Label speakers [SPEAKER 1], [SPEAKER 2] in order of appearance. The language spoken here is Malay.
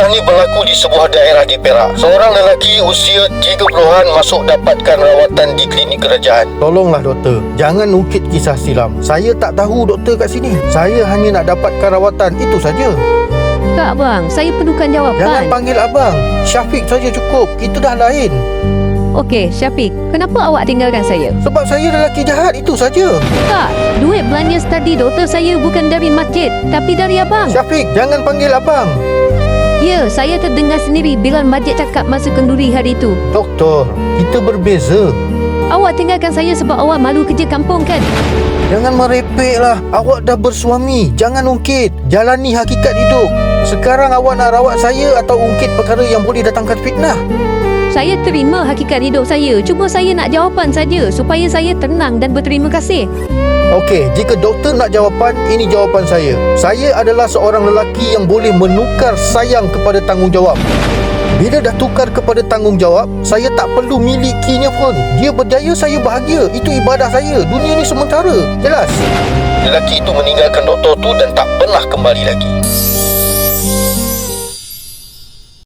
[SPEAKER 1] ni berlaku di sebuah daerah di Perak. Seorang lelaki usia 30-an masuk dapatkan rawatan di klinik kerajaan. Tolonglah doktor, jangan ungkit kisah silam. Saya tak tahu doktor kat sini. Saya hanya nak dapatkan rawatan, itu saja.
[SPEAKER 2] Tak bang, saya perlukan jawapan.
[SPEAKER 1] Jangan panggil abang, Syafiq saja cukup. Kita dah lain.
[SPEAKER 2] Okey, Syafiq, kenapa awak tinggalkan saya?
[SPEAKER 1] Sebab saya lelaki jahat, itu saja.
[SPEAKER 2] Tak, duit belanja study doktor saya bukan dari masjid, tapi dari abang.
[SPEAKER 1] Syafiq, jangan panggil abang.
[SPEAKER 2] Ya, saya terdengar sendiri bila masjid cakap masa kenduri hari itu.
[SPEAKER 1] Doktor, kita berbeza.
[SPEAKER 2] Awak tinggalkan saya sebab awak malu kerja kampung kan?
[SPEAKER 1] Jangan merepeklah. Awak dah bersuami. Jangan ungkit. Jalani hakikat hidup. Sekarang awak nak rawat saya atau ungkit perkara yang boleh datangkan fitnah?
[SPEAKER 2] Saya terima hakikat hidup saya. Cuma saya nak jawapan saja supaya saya tenang dan berterima kasih.
[SPEAKER 1] Okey, jika doktor nak jawapan, ini jawapan saya. Saya adalah seorang lelaki yang boleh menukar sayang kepada tanggungjawab. Bila dah tukar kepada tanggungjawab, saya tak perlu milikinya pun. Dia berjaya, saya bahagia. Itu ibadah saya. Dunia ni sementara. Jelas? Lelaki itu meninggalkan doktor tu dan tak pernah kembali lagi.